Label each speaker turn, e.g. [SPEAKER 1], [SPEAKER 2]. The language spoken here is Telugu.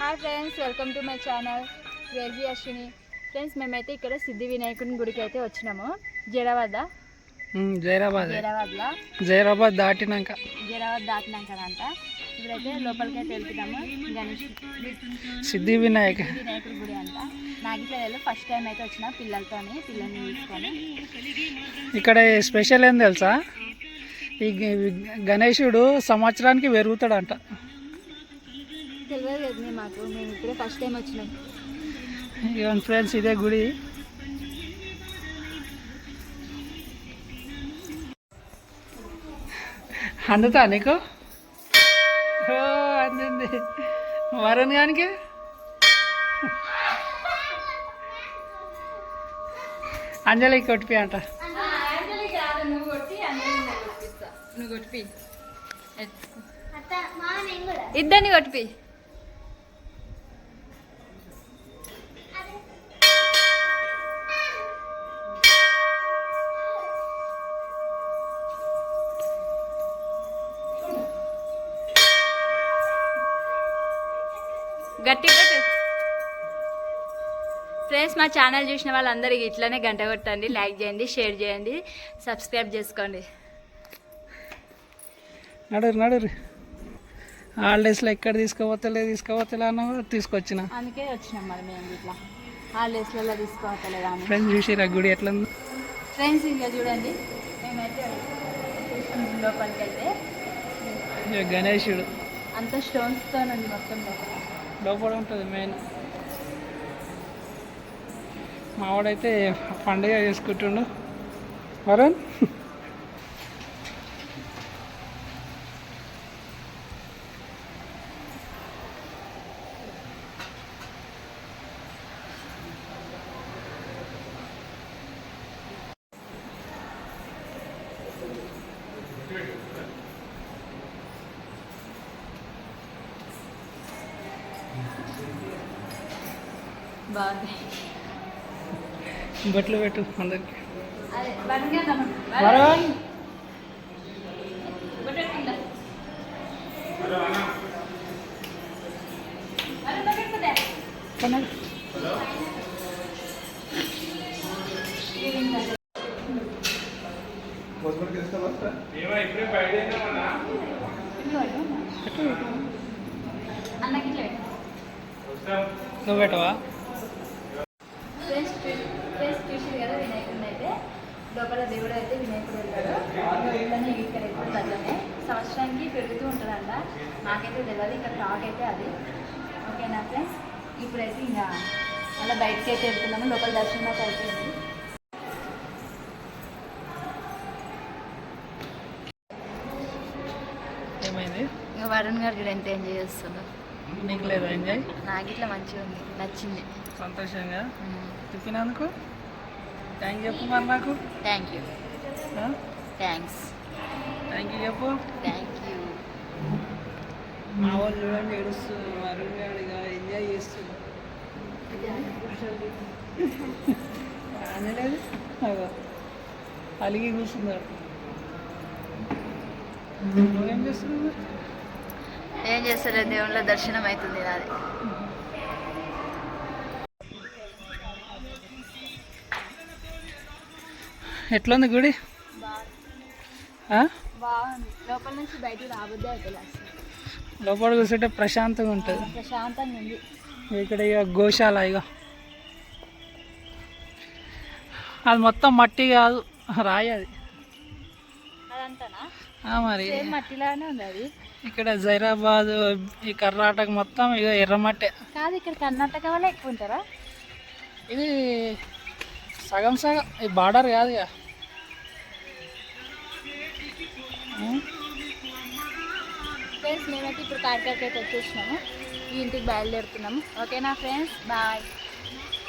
[SPEAKER 1] Hi friends, welcome to my channel crazy Ashwini. Friends, మేమైతే ఇక్కడ సిద్ధి వినాయకుని గుడికి అయితే వచ్చినాము.
[SPEAKER 2] జైరాబాద్ దాటినాక
[SPEAKER 1] అంట. ఇప్పుడైతే లోపలికి అయితే వెళ్తున్నాము. గణేష్
[SPEAKER 2] సిద్ధి వినాయకుడి
[SPEAKER 1] గుడి అంట. నాగిపల్లిలో ఫస్ట్ టైం అయితే వచ్చిన పిల్లల్ని తీసుకొని. ఇక్కడ
[SPEAKER 2] స్పెషల్ ఏం తెలుసా, ఈ గణేశుడు సంవత్సరానికి పెరుగుతాడంట.
[SPEAKER 1] తెలియదు మాకు, మేము ఇప్పుడే ఫస్ట్ టైం వచ్చినాం.
[SPEAKER 2] ఇవన్ ఫ్రెండ్స్, ఇదే గుడి. అందుతా నీకు అందింది వరుణ్ గానికి. అంజలి కొట్టిపి అంట.
[SPEAKER 1] నువ్వు కొట్టిపి, ఇద్దరిని కొట్టిపి. గట్టి కొట్టు. ఫ్రెండ్స్, మా ఛానల్ చూసిన వాళ్ళందరికీ ఇట్లనే గంట కొట్టండి, లైక్ చేయండి, షేర్ చేయండి, సబ్స్క్రైబ్ చేసుకోండి.
[SPEAKER 2] నడురు హాలిడేస్లో ఎక్కడ తీసుకోవతలే అన్న తీసుకొచ్చిన,
[SPEAKER 1] అందుకే వచ్చినాం. మరి మేము ఇట్లా హాలిడేస్లలో తీసుకోవతలే కానీ.
[SPEAKER 2] ఫ్రెండ్స్ చూసిరా గుడి ఎట్లా ఉంది.
[SPEAKER 1] ఫ్రెండ్స్, ఇంకా చూడండి, మేమైతే లోపలికి అయితే
[SPEAKER 2] గణేశుడు
[SPEAKER 1] అంత స్టోన్స్తో ఉంది మొత్తం.
[SPEAKER 2] లోపల ఉంటుంది మెయిన్. మావాడైతే పండుగ చేసుకుంటుండు వరుణ్.
[SPEAKER 1] బాగుంది.
[SPEAKER 2] బట్టలు పెట్టు అందరికి.
[SPEAKER 1] వరుణ్
[SPEAKER 2] నువ్వు పెట్టవా?
[SPEAKER 1] చూసారు కదా, వినాయకుడిని అయితే లోపల దేవుడు అయితే వినాయకుడు ఉంటాడు. ఇట్లనే ఇక్కడ ఎప్పుడు అట్లనే సంవత్సరానికి పెరుగుతూ ఉంటుందంట. నాకైతే తెలియదు, ఇక్కడ టాక్ అయితే అది. ఓకేనా ఫ్రెండ్స్, ఇప్పుడైతే ఇంకా అలా బయటకి అయితే వెళ్తున్నాము. లోపల దర్శనం అయితే అయిపోయింది.
[SPEAKER 2] ఏమైంది?
[SPEAKER 1] ఇంకా వరుణ్ గారు కూడా ఎంత ఎంజాయ్ చేస్తున్నారు.
[SPEAKER 2] నీకు లేదా ఎంజాయ్?
[SPEAKER 1] నాకు ఇట్లా మంచిగా ఉంది, నచ్చింది.
[SPEAKER 2] సంతోషంగా చెప్పినందుకు థ్యాంక్ చెప్పు. మరి నాకు
[SPEAKER 1] thank you. Thanks.
[SPEAKER 2] Thank you చెప్పు.
[SPEAKER 1] Thank you.
[SPEAKER 2] మా వాళ్ళు చూడండి ఏడుస్తుంది, వరుణ్ గాడిగా ఎంజాయ్ చేస్తుంది. అనలేదు అలిగి కూర్చున్నాడు. నువ్వేం చేస్తున్నావు?
[SPEAKER 1] ఏం చేస్తలేదు, దేవుళ్ళ దర్శనం అవుతుంది నాది.
[SPEAKER 2] ఎట్లుంది గుడి?
[SPEAKER 1] బాగుంది. లోపల నుంచి బయటకు రాబోద్దే అవుతుంది.
[SPEAKER 2] లోపల కూర్చుంటే ప్రశాంతంగా ఉంటుంది.
[SPEAKER 1] ప్రశాంతంగా ఉంది.
[SPEAKER 2] ఇక్కడ ఇక గోశాల, ఇక అది మొత్తం మట్టి కాదు, రాయి అది.
[SPEAKER 1] అదంతానా?
[SPEAKER 2] మరి
[SPEAKER 1] మట్టిలానే ఉంది అది.
[SPEAKER 2] ఇక్కడ జైరాబాద్, ఈ కర్ణాటక మొత్తం ఇక ఎర్రమట్టే
[SPEAKER 1] కాదు. ఇక్కడ కర్ణాటక వాళ్ళే ఎక్కువ ఉంటారా?
[SPEAKER 2] ఇది సగం ఈ బార్డర్ కాదు ఇక.
[SPEAKER 1] ఫ్రెండ్స్, మేమైతే ఇప్పుడు కాకినాడకి అయితే వచ్చేసినాము. ఈ ఇంటికి బయలుదేరుతున్నాము. ఓకేనా ఫ్రెండ్స్, బాయ్.